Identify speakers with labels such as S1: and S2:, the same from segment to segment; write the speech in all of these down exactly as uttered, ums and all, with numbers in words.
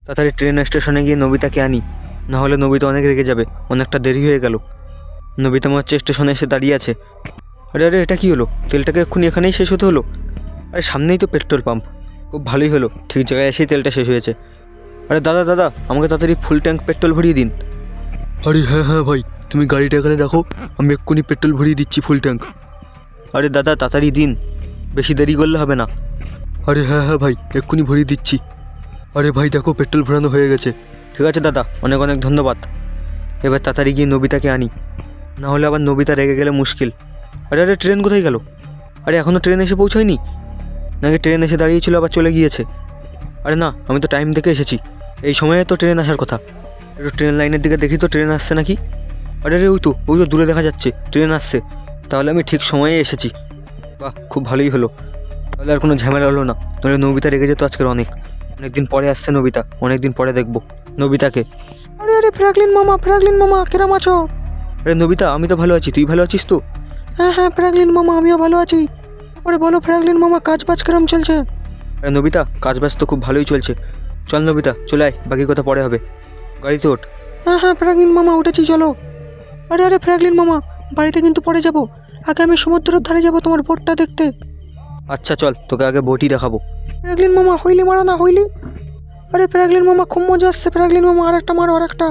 S1: তাড়াতাড়ি ট্রেন স্টেশনে গিয়ে নবিতাকে আনি, না হলে নবিতা অনেক রেগে যাবে। অনেকটা দেরি হয়ে গেল। নবিতা মনে হচ্ছে স্টেশনে এসে দাঁড়িয়ে আছে। আরে আরে এটা কী হলো? তেলটাকে এক্ষুনি এখানেই শেষ হতে হলো। আরে সামনেই তো পেট্রোল পাম্প, খুব ভালোই হলো, ঠিক জায়গায় এসেই তেলটা শেষ হয়েছে। আরে দাদা দাদা আমাকে তাড়াতাড়ি ফুল ট্যাঙ্ক পেট্রোল ভরিয়ে দিন।
S2: আরে হ্যাঁ হ্যাঁ ভাই, তুমি গাড়িটা এখানে রাখো, আমি এক্ষুনি পেট্রোল ভরিয়ে দিচ্ছি ফুল ট্যাঙ্ক।
S1: আরে দাদা তাড়াতাড়ি দিন, বেশি দেরি করলে হবে না।
S2: আরে হ্যাঁ হ্যাঁ ভাই, এক্ষুনি ভরিয়ে দিচ্ছি। আরে ভাই দেখো, পেট্রোল ভরানো হয়ে গেছে।
S1: ঠিক আছে দাদা, অনেক অনেক ধন্যবাদ। এবার তাড়াতাড়ি গিয়ে নবিতাকে আনি, না হলে আবার নবিতা রেগে গেলে মুশকিল। আরে আরে ট্রেন কোথায় গেল? আরে এখনও ট্রেন এসে পৌঁছায়নি নাকি? ট্রেন এসে দাঁড়িয়েছিল আবার চলে গিয়েছে? আরে না, আমি তো টাইম দেখে এসেছি, এই সময়ে তো ট্রেন আসার কথা। একটু ট্রেন লাইনের দিকে দেখি তো ট্রেন আসছে নাকি। আরে রে ওই তো ওই তো দূরে দেখা যাচ্ছে ট্রেন আসছে। তাহলে আমি ঠিক সময়ে এসেছি। বাহ, খুব ভালোই হলো। তাহলে আর কোনো ঝামেলা হলো না, নাহলে নবিতা রেগে যেত আজকের অনেক। অনেকদিন পরে আসছে নবিতা, অনেকদিন পরে দেখবো নবিতাকে। আরে আরে ফ্র্যাঙ্কলিন মামা, ফ্র্যাঙ্কলিন মামা কেরাম আছো? আরে নবিতা, আমি তো ভালো আছি, তুই ভালো আছিস তো? হ্যাঁ হ্যাঁ ফ্র্যাঙ্কলিন মামা, আমিও ভালো আছি। আরে বলো ফ্র্যাঙ্কলিন মামা, কাজ বাজ কেরম চলছে? আরে নবিতা, কাজ বাজ তো খুব ভালোই চলছে। চল নবিতা চলে আয়, বাকি কথা পরে হবে। গাড়িতে ওঠ। হ্যাঁ হ্যাঁ ফ্র্যাঙ্কলিন মামা, উঠেছি চলো। আরে আরে ফ্র্যাঙ্কলিন মামা, বাড়িতে কিন্তু পরে যাব, আগে আমি সমুদ্রের ধারে যাব তোমার বোটটা দেখতে। আচ্ছা চল, তোকে আগে বোটই দেখাবো। ফ্র্যাঙ্কলিন মামা হইলি মারো না, হইলি। আরে ফ্র্যাঙ্কলিন মামা খুব মজা আসছে, ফ্র্যাঙ্কলিন মামা আরেকটা মারো, আরেকটা।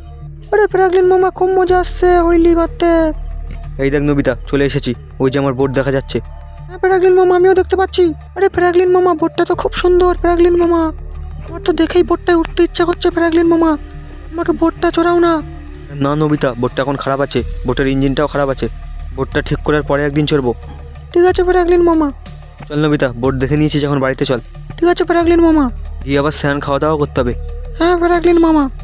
S1: আরে ফ্র্যাঙ্কলিন মামা খুব মজা আসছে, হইলি মারতে। এই দেখ নবিতা, চলে এসেছি, ওই যে আমার বোট দেখা যাচ্ছে। হ্যাঁ ফ্র্যাঙ্কলিন মামা, আমিও দেখতে পাচ্ছি। আরে ফ্র্যাঙ্কলিন মামা, বোটটা তো খুব সুন্দর ফ্র্যাঙ্কলিন মামা, আমার তো দেখেই বোটটায় উঠতে ইচ্ছা করছে ফ্র্যাঙ্কলিন মামা, আমাকে বোটটা চড়াও না। না নবিতা, বোটটা এখন খারাপ আছে, বোটের ইঞ্জিনটাও খারাপ আছে, বোটটা ঠিক করার পরে একদিন চড়বো। ঠিক আছে ফ্র্যাঙ্কলিন মামা। চল নবিতা, বোট দেখে নিয়েছি যখন বাড়িতে চল। ঠিক আছে ফ্র্যাঙ্কলিন মামা। গিয়ে আবার স্নান খাওয়া দাওয়া করতে হবে। হ্যাঁ ফ্র্যাঙ্কলিন মামা।